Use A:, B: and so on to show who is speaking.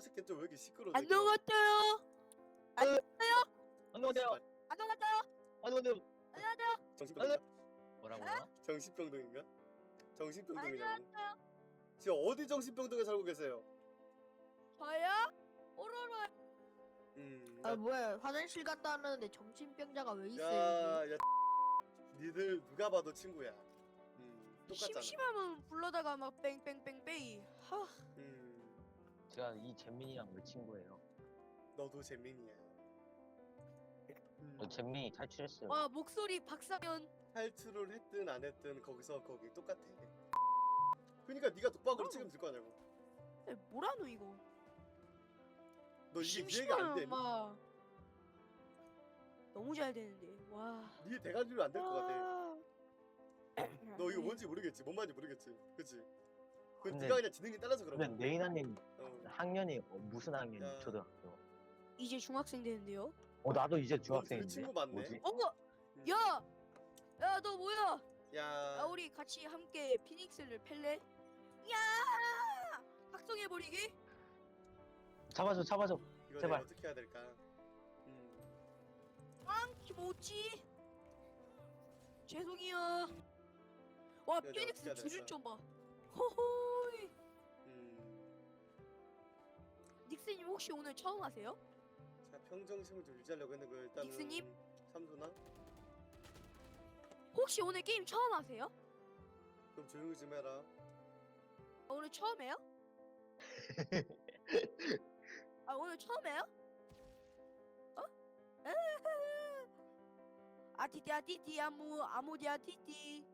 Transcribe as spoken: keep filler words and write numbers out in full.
A: 새끼 좀 왜 이렇게 시끄러워?
B: 안 녹았어요. 안 녹았어요.
C: 안 넘어가요.
B: 안 녹았어요.
C: 안 넘어가요.
B: 안 녹았어요.
A: 정신병인가?
C: 뭐라고요?
A: 정신병동인가?
B: 안
A: 정신병동이냐고.
B: 녹았어요.
A: 지금 어디 정신병동에 살고 계세요?
B: 저요? 오로로.
A: 음.
B: 아 뭐야? 화장실 갔다 왔는데 정신병자가 왜 있어요?
A: 야, 야, 니들 누가 봐도 친구야. 음, 똑같잖아.
B: 심심하면 불러다가 막 뺑뺑뺑뺑이. 하.
A: 음,
C: 제가 이 잼민이랑 왜 친구예요?
A: 너도 재민이야. 음,
C: 저 잼민이 탈출했어요.
B: 와 목소리 박상현.
A: 탈출을 했든 안 했든 거기서 거기 똑같아. 그러니까 네가 독박으로
B: 어.
A: 책임질 거 아냐고.
B: 에, 뭐라노 이거?
A: 너 이게 이해가 안
B: 심심하면
A: 돼?
B: 막 너무 잘 되는데. 와.
A: 네 대가리로 안 될 것 같아.
B: 같아.
A: 너 이거 뭔지 모르겠지? 뭔 말인지 모르겠지? 그치? 그
C: 근데-
A: 네가 그냥 지능이 따라서 그런
C: 근데
A: 거야.
C: 네이나님
A: 어.
C: 학년이 어, 무슨 학년?
A: 야.
C: 초등학교.
B: 이제 중학생 되는데요?
C: 어 나도 이제
A: 둘이
C: 중학생인데.
A: 친구 맞네.
C: 뭐지?
B: 어?
A: 음.
B: 야! 야 너 뭐야? 야
A: 야,
B: 우리 같이 함께 피닉스를 팰래? 야! 각성해버리기?
C: 잡아줘, 잡아줘.
A: 이거
C: 제발.
A: 내가 어떻게 해야 될까? 음,
B: 키모치? 죄송해요. 와
A: 내가
B: 피닉스
A: 어떻게 해야
B: 주주
A: 될까?
B: 좀 봐. 호호이.
A: 음.
B: 닉스님 혹시 오늘 처음 하세요?
A: 자, 평정심을 좀 유지하려고 했는데 그 일단은
B: 닉스님?
A: 삼소나?
B: 혹시 오늘 게임 처음 하세요?
A: 좀 조용히 좀 해라.
B: 아, 오늘 처음이에요? 아 오늘 처음이에요? 어? 아티티 아티티 아무 아무디 아티티